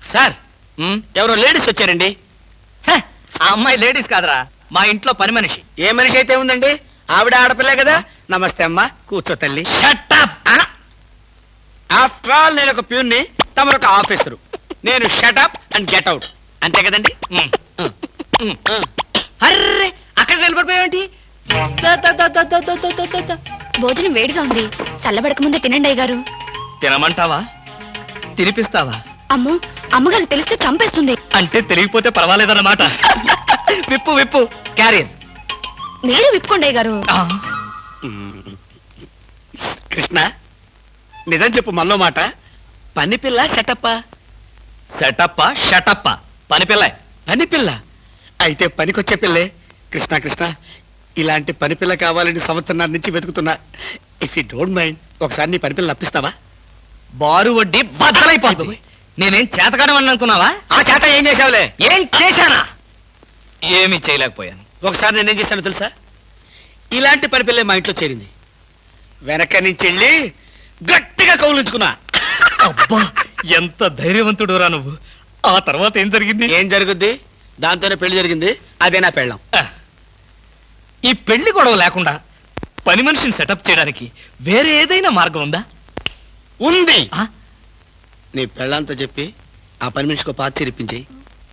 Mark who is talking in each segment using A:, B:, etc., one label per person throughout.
A: Sir ఎవరో ladies వచ్చారండి.
B: ఆ అమ్మాయి లేడీస్ కాదురా, మా ఇంట్లో పని మనిషి.
A: ఏ మనిషి అయితే ఉందండి, ఆవిడ ఆడపిల్లే కదా. నమస్తే అమ్మా, కూర్చో తల్లి.
B: Shut up.
A: ఆఫ్టర్ ఆల్ నేను ఒక ప్యూన్ని, తమరొక ఆఫీసరు. నేను షటప్ అండ్ గెట్ అవుట్, అంతే కదండి. అర్రే, అక్కడ నిలబడిపోయావేంటి?
C: భోజనం వేడిగా ఉంది, చల్లబడక ముందే తినండి అయ్యగారు.
B: తినమంటావా, తినిపిస్తావా?
C: అమ్మో, అమ్మగారు తెలిస్తే చంపేస్తుంది.
B: అంటే తెలియకపోతే పర్వాలేదన్నమాట. విప్పు విప్పు క్యారియర్.
C: మీరు విప్పుకోండి అయ్యగారు.
A: కృష్ణ, నిజం చెప్పు, మళ్ళో మాట. పని పిల్ల సెటప్పా?
B: సెటప్పా షటప్పా? పని పిల్ల.
A: పని పిల్ల అయితే పనికొచ్చే పిల్లే. కృష్ణ కృష్ణ, ఇలాంటి పని పిల్ల కావాలని సంవత్సరం నుంచి వెతుకుతున్నా. ఇఫ్ యూ డోంట్ మైండ్, ఒకసారి నీ పని పిల్ల అప్పిస్తావా?
B: బారు వడ్డీ బద్దలైపోతుంది. నేనేం చేతకాడమని అనుకున్నావా?
A: ఆ చేత ఏం చేసావులే?
B: ఏం చేశానా? ఏమీ చేయలేకపోయాను.
A: ఒకసారి నేనేం చేశాను తెలుసా? ఇలాంటి పని పిల్లే మా ఇంట్లో చేరింది. వెనక నుంచి వెళ్ళి గట్టిగా కౌలించుకున్నా.
B: అబ్బా, ఎంత ధైర్యవంతుడు రా నువ్వు. ఆ తర్వాత ఏం జరిగింది?
A: ఏం జరుగుద్ది? దాంతోనే పెళ్లి జరిగింది. అదే నా పెళ్ళం.
B: ఈ పెళ్లి గొడవ లేకుండా పని మనిషిని సెటప్ చేయడానికి వేరే ఏదైనా మార్గం ఉందా?
A: ఉంది. నీ పెళ్ళంతో చెప్పి ఆ పని మనిషికి పాత చేరిపించేయి.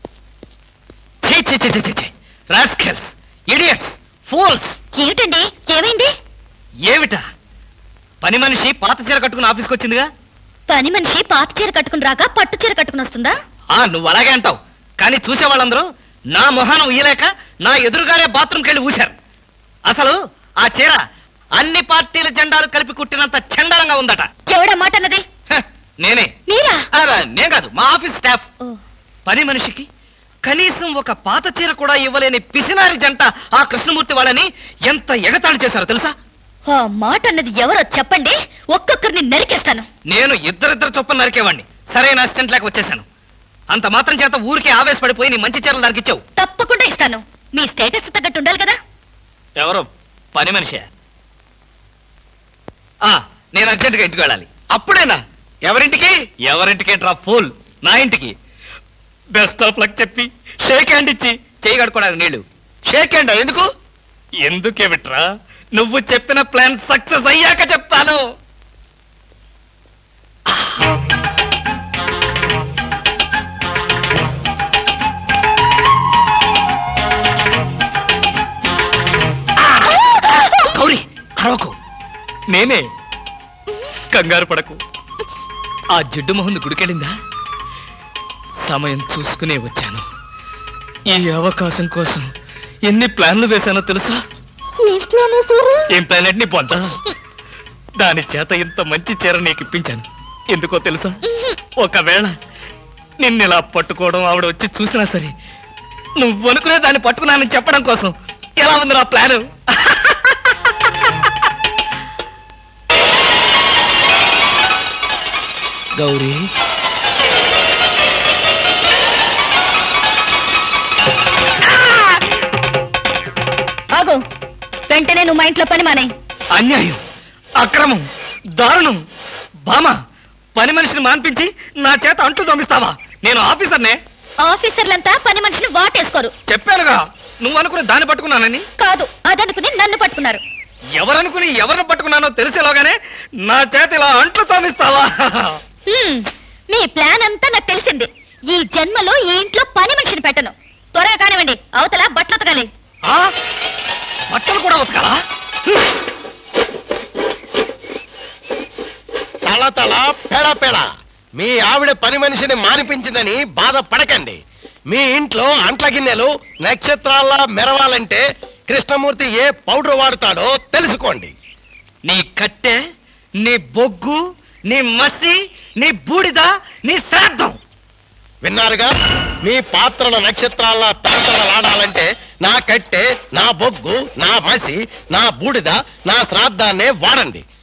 B: Rascals, idiots, fools.
C: ఏమిటండి, ఏమైంది?
B: ఏమిటా? పని మనిషి పాత చీర కట్టుకుని ఆఫీస్కి వచ్చిందిగా.
C: పని మనిషి పాత చీర కట్టుకుని రాక పట్టు చీర కట్టుకుని వస్తుందా?
B: నువ్వు అలాగే అంటావు, కానీ చూసే వాళ్ళందరూ నా మొహానం ఉయ్యలేక నా ఎదురుగానే బాత్రూమ్కి వెళ్ళి ఊశారు. అసలు ఆ చీర అన్ని పార్టీల జెండాలు కలిపి కుట్టినంత చండాలంగా ఉందట.
C: ఎవడా మాట అన్నది?
B: నేనే.
C: మీరా?
B: నేను కాదు, మా ఆఫీస్ స్టాఫ్. పని మనిషికి కనీసం ఒక పాత చీర కూడా ఇవ్వలేని పిసినారి జంట ఆ కృష్ణమూర్తి వాళ్ళని ఎంత ఎగతాళి చేశారో తెలుసా?
C: ఆ మాట అన్నది ఎవరో చెప్పండి, ఒక్కొక్కరిని నరికేస్తాను.
B: నేను ఇద్దరిద్దరు చొప్పున నరికేవాడిని. సరైన అసిస్టెంట్ లేక వచ్చేసాను. అంత మాత్రం చేత ఊరికే ఆవేశపడిపోయి నీ మంచి చీరలు నరికిచ్చావు.
C: తప్పకుండా ఇస్తాను. మీ స్టేటస్ తగ్గట్టు ఉండాలి కదా.
B: ఎవరో పని మనిషి. నేను అర్జెంటుగా ఇంటికి వెళ్ళాలి.
A: అప్పుడేనా? ఎవరింటికి?
B: ఎవరింటికేంట్రా ఫూల్, నా ఇంటికి. బెస్ట్ ఆఫ్ లక్ చెప్పి షేక్ హ్యాండ్ ఇచ్చి చేయి కడుకోవడానికి నీళ్లు.
A: షేక్ హ్యాండ్ ఎందుకు?
B: ఎందుకేమిట్రా, నువ్వు చెప్పిన ప్లాన్ సక్సెస్ అయ్యాక చెప్తాను. గౌరీ, అరవకు. నేనే. కంగారు పడకు. ఆ జిడ్డు మొహంది గుడికెళ్ళిందా? సమయం చూసుకునే వచ్చాను. ఈ అవకాశం కోసం ఎన్ని ప్లాన్లు వేశానో తెలుసా? ఏం ప్లాన్ అంటే నీ పొంట. దాని చేత ఇంత మంచి చీర నీకు ఇప్పించాను. ఎందుకో తెలుసా? ఒకవేళ నిన్నిలా పట్టుకోవడం ఆవిడ వచ్చి చూసినా సరే నువ్వు అనుకునే దాన్ని పట్టుకున్నానని చెప్పడం కోసం. ఎలా ఉంది నా ప్లాను? గౌరీ,
C: ఆగు. వెంటనే నువ్వు మా ఇంట్లో పని మానే.
B: అన్యాయం, అక్రమం, దారుణం. బామా, పని మనిషిని మాన్పించి నా చేత అంట్లు తోమిస్తావా? నేను ఆఫీసర్నే.
C: ఆఫీసర్లంతా పని మనిషిని వాటేసుకోరు.
B: చెప్పానుగా, నువ్వు అనుకుని దాన్ని పట్టుకున్నానని.
C: కాదు, అదనుకుని నన్ను పట్టుకున్నారు.
B: ఎవరనుకుని ఎవరిని పట్టుకున్నానో తెలిసేలోగానే నా చేత ఇలా అంట్లు తోమిస్తావా?
C: మీ ప్లాన్ అంతా నాకు తెలిసింది. ఈ జన్మలో ఈ ఇంట్లో పని మనిషిని పెట్టను. త్వరగా కానివ్వండి, అవతల బట్టలు ఉతకాలి.
B: బట్టలు కూడా ఉతకాలా?
D: తల తల పెడ పెడ. మీ ఆవిడ పని మనిషిని మానిపించిందని బాధపడకండి. మీ ఇంట్లో అంట్ల గిన్నెలు నక్షత్రాల్లా మెరవాలంటే కృష్ణమూర్తి ఏ పౌడర్ వాడతాడో తెలుసుకోండి.
B: నీ కట్టె, నీ బొగ్గు, నీ మసి, నీ బూడిద, నీ శ్రాద్ధం.
D: విన్నారుగా? మీ పాత్రల నక్షత్రాల్లా తలతలలాడాలంటే నా కట్టె, నా బొగ్గు, నా మసి, నా బూడిద, నా శ్రాద్ధాన్నే వాడండి.